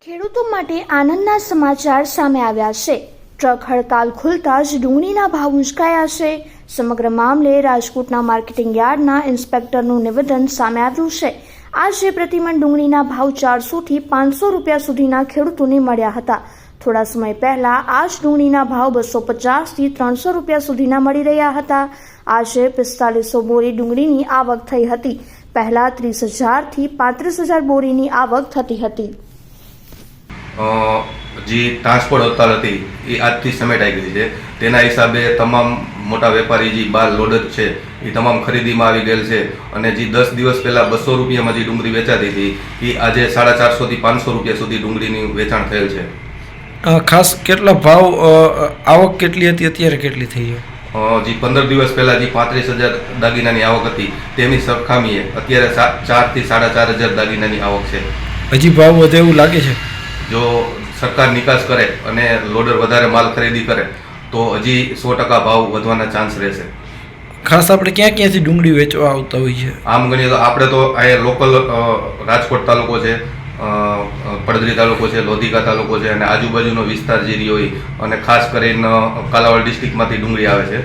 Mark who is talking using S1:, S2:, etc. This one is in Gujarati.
S1: ખેડૂતો માટે આનંદના સમાચાર સામે આવ્યા છે। ટ્રક હડતાલ ખુલતા જ ડુંગળીના ભાવ ઉંચકાયા છે। સમગ્ર મામલે રાજકોટના માર્કેટિંગ યાર્ડના ઇન્સ્પેક્ટરનું નિવેદન સામે આવ્યું છે। આજે પ્રતિમણ ડુંગળીના ભાવ 400 થી 500 રૂપિયા સુધીના ખેડૂતોને મળ્યા હતા। થોડા સમય પહેલા આ જ ડુંગળીના ભાવ 250 થી 300 રૂપિયા સુધીના મળી રહ્યા હતા। આજે 4500 બોરી ડુંગળીની આવક થઈ હતી। પહેલા 30,000 થી 35,000 બોરીની આવક થતી હતી।
S2: જે ટ્રાન્સપોર્ટ હડતાલ હતી એ આજથી સમેટાઈ ગઈ છે। તેના હિસાબે તમામ મોટા વેપારી જે બાર લોડર છે એ તમામ ખરીદીમાં આવી ગયેલ છે અને જે 10 દિવસ પહેલાં 200 રૂપિયામાં જે ડુંગળી વેચાતી હતી એ આજે 450 થી 500 રૂપિયા સુધી ડુંગળીની વેચાણ થયેલ છે।
S3: ખાસ કેટલા ભાવ આવક કેટલી હતી અત્યારે કેટલી થઈ છે?
S2: જે 15 દિવસ પહેલાં જે 35,000 દાગીનાની આવક હતી તેની સરખામણીએ અત્યારે 4 થી 4,500 દાગીનાની આવક છે।
S3: હજી ભાવ વધે એવું લાગે છે?
S2: જો સરકાર નિકાસ કરે અને લોડર વધારે માલ ખરીદી કરે તો હજી 100% ભાવ વધવાના ચાન્સ રહેશે।
S3: ખાસ આપણે ક્યાં ક્યાંથી ડુંગળી વેચવા આવતા હોઈએ છીએ?
S2: આમ ગણીએ તો આપણે તો અહીંયા લોકલ રાજકોટ તાલુકો છે, પડદરી તાલુકો છે, લોધિકા તાલુકો છે અને આજુબાજુનો વિસ્તાર જે રહ્યો હોય અને ખાસ કરીને કાલાવાડ ડિસ્ટ્રિક્ટમાંથી ડુંગળી આવે છે।